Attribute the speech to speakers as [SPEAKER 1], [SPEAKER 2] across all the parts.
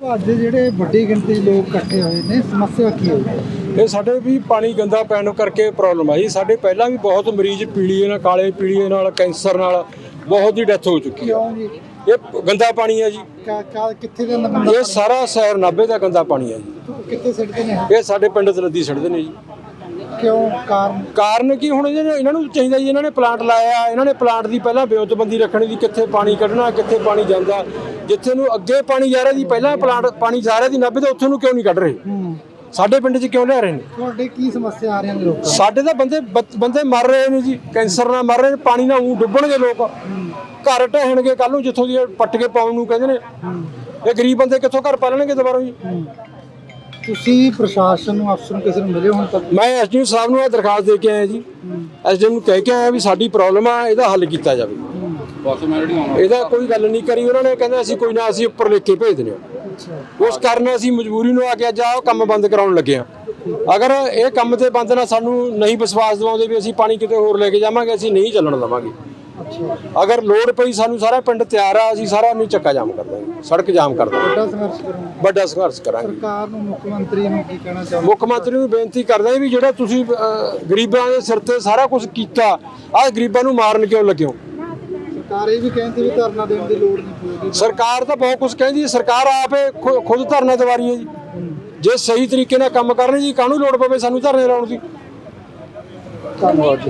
[SPEAKER 1] ਅੱਜ ਜਿਹੜੇ ਵੱਡੀ ਗਿਣਤੀ ਲੋਕ ਇਕੱਠੇ ਹੋਏ ਨੇ, ਸਮੱਸਿਆ ਕੀ ਹੈ?
[SPEAKER 2] ਇਹ ਸਾਡੇ ਵੀ ਪਾਣੀ ਗੰਦਾ ਪੈਣ ਕਰਕੇ ਪ੍ਰੋਬਲਮ ਆਈ। ਸਾਡੇ ਪਹਿਲਾਂ ਵੀ ਬਹੁਤ ਮਰੀਜ਼ ਪੀਲੀਏ ਨਾਲ, ਕਾਲੇ ਪੀਲੀਏ ਨਾਲ, ਕੈਂਸਰ ਨਾਲ ਬਹੁਤ ਦੀ ਡੈਥ ਹੋ ਚੁੱਕੀ ਹੈ।
[SPEAKER 1] ਕਿਉਂ ਜੀ?
[SPEAKER 2] ਇਹ ਗੰਦਾ ਪਾਣੀ ਹੈ ਜੀ।
[SPEAKER 1] ਕਿੱਥੇ ਦਾ ਬੰਦਾ?
[SPEAKER 2] ਇਹ ਸਾਰਾ ਸ਼ਹਿਰ ਨਾਭੇ ਦਾ ਗੰਦਾ ਪਾਣੀ ਹੈ ਜੀ।
[SPEAKER 1] ਕਿੱਥੇ ਸਿੱਟਦੇ ਨੇ?
[SPEAKER 2] ਇਹ ਸਾਡੇ ਪਿੰਡ ਤਲੱਦੀ ਸਿੱਟਦੇ ਨੇ ਜੀ।
[SPEAKER 1] ਕਿਉਂ? ਕਾਰਨ
[SPEAKER 2] ਕੀ ਹੁਣ ਇਹਨਾਂ ਨੂੰ ਚਾਹੀਦਾ ਜੀ, ਇਹਨਾਂ ਨੇ ਪਲਾਂਟ ਲਾਇਆ, ਇਹਨਾਂ ਨੇ ਪਲਾਂਟ ਦੀ ਪਹਿਲਾਂ ਬਿਉਂਤਬੰਦੀ ਰੱਖਣੀ ਦੀ, ਕਿੱਥੇ ਪਾਣੀ ਕੱਢਣਾ, ਕਿੱਥੇ ਪਾਣੀ ਜਾਂਦਾ, ਜਿੱਥੇ ਨੂੰ ਅੱਗੇ ਪਾਣੀ ਜਾ ਰਿਹਾ ਜੀ, ਪਹਿਲਾਂ ਪਲਾਂਟ ਪਾਣੀ ਜਾ ਰਿਹਾ ਜੀ ਨਾਭੇ ਤੋਂ, ਉੱਥੋਂ ਨੂੰ ਕਿਉਂ ਨਹੀਂ ਕੱਢ ਰਹੇ? ਸਾਡੇ ਪਿੰਡ 'ਚ ਕਿਉਂ ਲਿਆ ਰਹੇ ਨੇ?
[SPEAKER 1] ਤੁਹਾਡੇ ਕੀ ਸਮੱਸਿਆ ਆ ਰਹੀਆਂ ਨੇ ਲੋਕਾਂ?
[SPEAKER 2] ਸਾਡੇ ਤਾਂ ਬੰਦੇ ਮਰ ਰਹੇ ਨੇ ਜੀ, ਕੈਂਸਰ ਨਾਲ ਮਰ ਰਹੇ ਨੇ, ਪਾਣੀ ਨਾਲ ਊਂ ਡੁੱਬਣਗੇ ਲੋਕ, ਘਰ ਢਹਿਣਗੇ ਕੱਲ ਨੂੰ, ਜਿੱਥੋਂ ਦੀ ਪੱਟ ਕੇ ਪਾਉਣ ਨੂੰ ਕਹਿੰਦੇ ਨੇ। ਇਹ ਗਰੀਬ ਬੰਦੇ ਕਿੱਥੋਂ ਘਰ ਪਾਲਣਗੇ ਦੁਬਾਰਾ ਜੀ?
[SPEAKER 1] ਤੁਸੀਂ ਪ੍ਰਸ਼ਾਸਨ ਨੂੰ, ਅਫਸਰ ਨੂੰ, ਕਿਸੇ ਨੂੰ ਮਿਲੇ ਹੁਣ ਤੱਕ?
[SPEAKER 2] ਮੈਂ ਐਸਡੀਐਮ ਸਾਹਿਬ ਨੂੰ ਇਹ ਦਰਖਾਸਤ ਦੇ ਕੇ ਆਇਆ ਜੀ। ਐਸਡੀਐਮ ਨੂੰ ਕਹਿ ਕੇ ਆਇਆ ਵੀ ਸਾਡੀ ਪ੍ਰੋਬਲਮ ਆ, ਇਹਦਾ ਹੱਲ ਕੀਤਾ ਜਾਵੇ। ਇਹਦਾ ਕੋਈ ਗੱਲ ਨਹੀਂ ਕਰੀ ਉਹਨਾਂ ਨੇ, ਕਹਿੰਦੇ ਅਸੀਂ ਕੋਈ ਨਾ, ਅਸੀਂ ਉੱਪਰ ਲਿਖ ਕੇ ਭੇਜ ਦਿੰਦੇ ਹਾਂ। ਉਸ ਕਾਰਨ ਅਸੀਂ ਮਜਬੂਰੀ ਨੂੰ ਆ ਕੇ ਅੱਜ ਆਹ ਕੰਮ ਬੰਦ ਕਰਾਉਣ ਲੱਗੇ ਹਾਂ। ਅਗਰ ਇਹ ਕੰਮ ਤੇ ਬੰਦ ਨਾਲ ਸਾਨੂੰ ਨਹੀਂ ਵਿਸ਼ਵਾਸ ਦਿਵਾਉਂਦੇ ਵੀ ਅਸੀਂ ਪਾਣੀ ਕਿਤੇ ਹੋਰ ਲੈ ਕੇ ਜਾਵਾਂਗੇ, ਅਸੀਂ ਨਹੀਂ ਚੱਲਣ ਦੇਵਾਂਗੇ। ਅਗਰ ਲੋੜ ਪਈ ਸਾਨੂੰ ਸਾਰਾ ਪਿੰਡ ਤਿਆਰ ਆ, ਅਸੀਂ ਸਾਰਾ ਨਹੀਂ ਚੱਕਾ ਜਾਮ ਕਰ ਦਾਂਗੇ, ਸੜਕ ਜਾਮ ਕਰ ਦਾਂਗੇ, ਵੱਡਾ ਸੰਘਰਸ਼ ਕਰਾਂਗੇ।
[SPEAKER 1] ਸਰਕਾਰ ਨੂੰ, ਮੁੱਖ ਮੰਤਰੀ ਨੂੰ ਕੀ ਕਹਿਣਾ ਚਾਹੁੰਦੇ?
[SPEAKER 2] ਮੁੱਖ ਮੰਤਰੀ ਨੂੰ ਬੇਨਤੀ ਕਰਦਾ ਵੀ ਜਿਹੜਾ ਤੁਸੀਂ ਗਰੀਬਾਂ ਦੇ ਸਿਰ ਤੇ ਸਾਰਾ ਕੁਝ ਕੀਤਾ, ਆਹ ਗਰੀਬਾਂ ਨੂੰ ਮਾਰਨ ਕਿਉਂ ਲੱਗਿਓ?
[SPEAKER 1] ਸਰਕਾਰ ਇਹ ਵੀ ਕਹਿੰਦੀ ਵੀ ਧਰਨਾ ਦੇਣ ਦੀ ਲੋੜ ਨਹੀਂ ਪਊਗੀ।
[SPEAKER 2] ਸਰਕਾਰ ਤਾਂ ਬਹੁਤ ਕੁਝ ਕਹਿੰਦੀ, ਸਰਕਾਰ ਆਪੇ ਖੁਦ ਧਰਨਾ ਦਵਾ ਰਹੀ ਹੈ ਜੀ। ਜੇ ਸਹੀ ਤਰੀਕੇ ਨਾਲ ਕੰਮ ਕਰਨੇ ਜੀ, ਕਾਹਨੂੰ ਲੋੜ ਪਵੇ ਸਾਨੂੰ ਧਰਨੇ ਲਾਉਣ ਦੀ?
[SPEAKER 1] ਧੰਨਵਾਦ ਜੀ।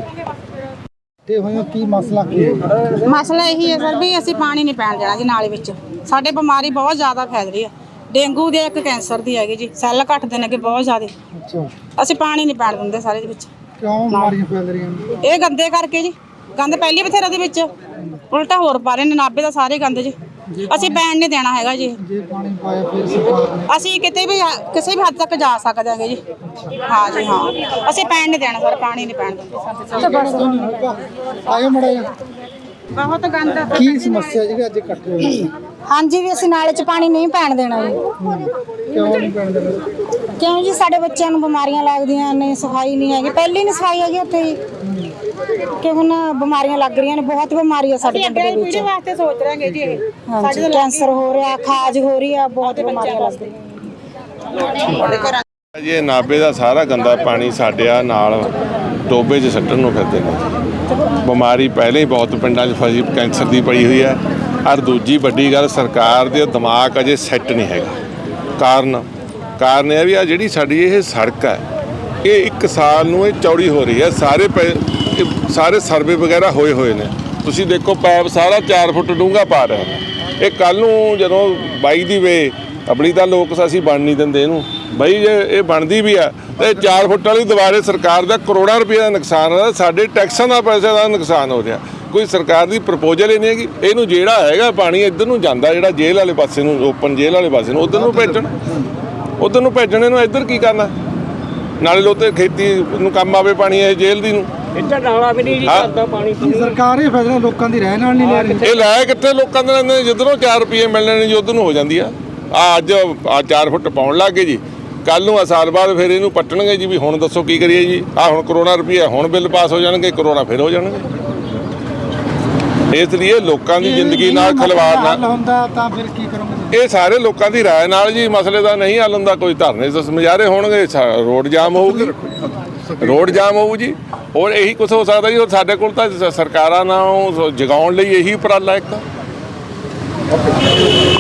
[SPEAKER 1] ਤੇ ਹੋਇਆ ਕੀ ਮਸਲਾ ਕੀ ਹੈ?
[SPEAKER 3] ਮਸਲਾ ਇਹੀ ਹੈ ਸਰ ਵੀ ਅਸੀਂ ਪਾਣੀ ਨਹੀਂ ਪੈਣ ਦੇਣਾ ਜੀ ਨਾਲੇ ਵਿੱਚ। ਸਾਡੇ ਬਿਮਾਰੀ ਬਹੁਤ ਜ਼ਿਆਦਾ ਫੈਲ ਰਹੀ ਹੈ, ਡੇਂਗੂ ਦੀ, ਇੱਕ ਕੈਂਸਰ ਦੀ ਹੈਗੀ ਜੀ, ਸੈੱਲ ਘਟਦੇ ਨੇ ਕਿ ਬਹੁਤ ਜ਼ਿਆਦਾ।
[SPEAKER 1] ਅੱਛਾ,
[SPEAKER 3] ਅਸੀਂ ਪਾਣੀ ਨਹੀਂ ਪੈਣ ਦਿੰਦੇ ਸਾਰੇ ਦੇ ਵਿੱਚ।
[SPEAKER 1] ਕਿਉਂ ਬਿਮਾਰੀਆਂ ਫੈਲ ਰਹੀਆਂ ਨੇ?
[SPEAKER 3] ਇਹ ਗੰਦੇ ਕਰਕੇ ਜੀ, ਗੰਦ ਪਹਿਲੀ ਬਥੇਰਾ ਦੇ ਵਿੱਚ, ਉਲਟਾ ਹੋਰ ਪਾ ਰਹੇ ਨੇ ਨਾਭੇ ਦਾ ਸਾਰੇ ਗੰਦ ਜੀ। ਅਸੀਂ ਪੈਣ ਨਹੀਂ ਦੇਣਾ ਹੈਗਾ ਜੀ।
[SPEAKER 1] ਜੇ ਪਾਣੀ ਪਾਇਆ ਫਿਰ ਸਰਕਾਰ ਨੇ?
[SPEAKER 3] ਅਸੀਂ ਕਿਤੇ ਵੀ ਕਿਸੇ ਵੀ ਹੱਦ ਤੱਕ ਜਾ ਸਕਦੇ ਹਾਂਗੇ ਜੀ। ਹਾਂ ਜੀ ਹਾਂ, ਅਸੀਂ ਪੈਣ ਨਹੀਂ ਦੇਣਾ ਸਰ, ਪਾਣੀ ਨਹੀਂ ਪੈਣ ਦਿੰਦੇ।
[SPEAKER 1] ਆਇਓ ਮੜਾ ਜਾ।
[SPEAKER 3] ਬਹੁਤ ਗੰਦ।
[SPEAKER 1] ਕੀ ਸਮੱਸਿਆ ਜਿਹੜੀ ਅੱਜ ਇਕੱਠੇ ਹੋਈ?
[SPEAKER 4] ਹਾਂਜੀ ਵੀ ਅਸੀਂ ਨਾਲੇ 'ਚ ਪਾਣੀ ਨਹੀਂ ਪੈਣ ਦੇਣਾ ਜੀ।
[SPEAKER 1] ਕਿਉਂ ਨਹੀਂ ਪੈਣ ਦੇਣਾ?
[SPEAKER 4] ਕਿਉਂ ਜੀ? ਸਾਡੇ ਬੱਚਿਆਂ ਨੂੰ ਬਿਮਾਰੀਆਂ ਲੱਗਦੀਆਂ ਨੇ, ਸਫਾਈ ਨਹੀਂ ਹੈਗੀ, ਪਹਿਲੀ ਨਹੀਂ ਸਫਾਈ ਹੈਗੀ ਉੱਥੇ ਜੀ, ਕਿ ਹੁਣ ਬਿਮਾਰੀਆਂ ਲੱਗ ਰਹੀਆਂ ਨੇ, ਬਹੁਤ ਬਿਮਾਰੀ ਆ ਸਾਡੇ ਪਿੰਡ ਦੇ ਵਿੱਚ।
[SPEAKER 3] ਵਾਸਤੇ ਸੋਚ ਰਹੇ ਜੀ ਇਹ।
[SPEAKER 4] ਹਾਂਜੀ, ਕੈਂਸਰ ਹੋ ਰਿਹਾ, ਖਾਜ ਹੋ ਰਹੀ ਆ, ਬਹੁਤ ਬਿਮਾਰੀਆਂ ਲੱਗ ਰਹੀਆਂ।
[SPEAKER 5] ਇਹ ਨਾਭੇ ਦਾ ਸਾਰਾ ਗੰਦਾ ਪਾਣੀ ਸਾਡੇ ਆ ਨਾਲ ਟੋਬੇ 'ਚ ਸੱਟਣ ਨੂੰ ਫਿਰਦੇ ਨੇ। ਬਿਮਾਰੀ ਪਹਿਲੇ ਹੀ ਬਹੁਤ ਪਿੰਡਾਂ 'ਚ ਫਸੀ, ਕੈਂਸਰ ਦੀ ਪਈ ਹੋਈ ਹੈ। ਔਰ ਦੂਜੀ ਵੱਡੀ ਗੱਲ, ਸਰਕਾਰ ਦੇ ਦਿਮਾਗ ਅਜੇ ਸੈੱਟ ਨਹੀਂ ਹੈਗਾ। ਕਾਰਨ ਇਹ ਵੀ ਆ ਜਿਹੜੀ ਸਾਡੀ ਇਹ ਸੜਕ ਹੈ, ਇਹ 1 ਸਾਲ ਨੂੰ ਇਹ ਚੌੜੀ ਹੋ ਰਹੀ ਹੈ। ਸਾਰੇ ਸਰਵੇ ਵਗੈਰਾ ਹੋਏ ਨੇ। ਤੁਸੀਂ ਦੇਖੋ ਪੈਪ ਸਾਰਾ 4 ਫੁੱਟ ਡੂੰਘਾ ਪਾ ਰਿਹਾ। ਇਹ ਕੱਲ੍ਹ ਨੂੰ ਜਦੋਂ ਬਾਈ ਦੀ ਵੇ ਆਪਣੀ ਤਾਂ ਲੋਕ ਅਸੀਂ ਬਣ ਨਹੀਂ ਦਿੰਦੇ ਇਹਨੂੰ ਬਈ, ਜੇ ਇਹ ਬਣਦੀ ਵੀ ਆ ਤੇ 4 ਫੁੱਟ ਵਾਲੀ ਦੁਬਾਰੇ ਸਰਕਾਰ ਦਾ ਕਰੋੜਾਂ ਰੁਪਏ ਦਾ ਨੁਕਸਾਨ ਹੋ ਰਿਹਾ, ਸਾਡੇ ਟੈਕਸਾਂ ਦਾ ਪੈਸੇ ਦਾ ਨੁਕਸਾਨ ਹੋ ਰਿਹਾ। ਕੋਈ ਸਰਕਾਰ ਦੀ ਪ੍ਰਪੋਜ਼ਲ ਹੀ ਨਹੀਂ ਹੈਗੀ। ਇਹਨੂੰ ਜਿਹੜਾ ਹੈਗਾ ਪਾਣੀ ਇੱਧਰ ਨੂੰ ਜਾਂਦਾ, ਜਿਹੜਾ ਜੇਲ੍ਹ ਵਾਲੇ ਪਾਸੇ ਨੂੰ, ਓਪਨ ਜੇਲ੍ਹ ਵਾਲੇ ਪਾਸੇ ਨੂੰ, ਉਧਰ ਨੂੰ ਭੇਜਣ ਇਹਨੂੰ ਇੱਧਰ ਕੀ ਕਰਨਾ? ਨਾਲੇ ਲੋਤੇ ਖੇਤੀ ਨੂੰ ਕੰਮ ਆਵੇ ਪਾਣੀ ਇਹ ਜੇਲ੍ਹ ਦੀ ਨੂੰ।
[SPEAKER 2] ਇੱਧਰ ਨਾਲਾ ਵੀ ਨਹੀਂ ਜੀ ਕਰਦਾ ਪਾਣੀ।
[SPEAKER 1] ਸਰਕਾਰ ਇਹ ਫੈਸਲਾ ਲੋਕਾਂ ਦੀ ਰਹਿ ਨਾਲ ਨਹੀਂ ਲੈ ਰਹੀ।
[SPEAKER 5] ਇਹ ਲੈ ਕਿੱਥੇ ਲੋਕਾਂ ਦੇ ਨੇ, ਜਿੱਧਰੋਂ 4 ਰੁਪਏ ਮਿਲਣੇ ਨੇ ਜੀ ਉਧਰ ਨੂੰ ਹੋ ਜਾਂਦੀ ਆ। ਅੱਜ 4 ਫੁੱਟ ਪਾਉਣ ਲੱਗ ਗਏ ਜੀ, ਕੱਲ ਨੂੰ ਸਾਲ ਬਾਅਦ ਫਿਰ ਇਹਨੂੰ ਪੱਟਣਗੇ ਜੀ। ਵੀ ਹੁਣ ਦੱਸੋ ਕੀ ਕਰੀਏ ਜੀ? ਹੁਣ ਕਰੋਨਾ ਰੁਪਈਆ ਹੁਣ ਬਿੱਲ ਪਾਸ ਹੋ ਜਾਣਗੇ, ਕਰੋਨਾ ਫਿਰ ਹੋ ਜਾਣਗੇ। ਇਸ ਲਈ ਲੋਕਾਂ ਦੀ ਜ਼ਿੰਦਗੀ ਨਾਲ ਖਿਲਵਾੜ ਨਾ
[SPEAKER 1] ਹੁੰਦਾ ਤਾਂ ਫਿਰ ਕੀ ਕਰੋਗੇ?
[SPEAKER 5] ਇਹ ਸਾਰੇ ਲੋਕਾਂ ਦੀ ਰਾਏ ਨਾਲ ਜੀ ਮਸਲੇ ਦਾ ਨਹੀਂ ਹੱਲ ਹੁੰਦਾ। ਕੋਈ ਧਰਨੇ ਮੁਜ਼ਾਹਰੇ ਹੋਣਗੇ, ਰੋਡ ਜਾਮ ਹੋਊਗੀ, ਜੀ। ਹੋਰ ਇਹੀ ਕੁਝ ਹੋ ਸਕਦਾ ਜੀ। ਹੋਰ ਸਾਡੇ ਕੋਲ ਤਾਂ ਸਰਕਾਰਾਂ ਨਾਲ ਜਗਾਉਣ ਲਈ ਇਹੀ ਉਪਰਾਲਾ ਇੱਕ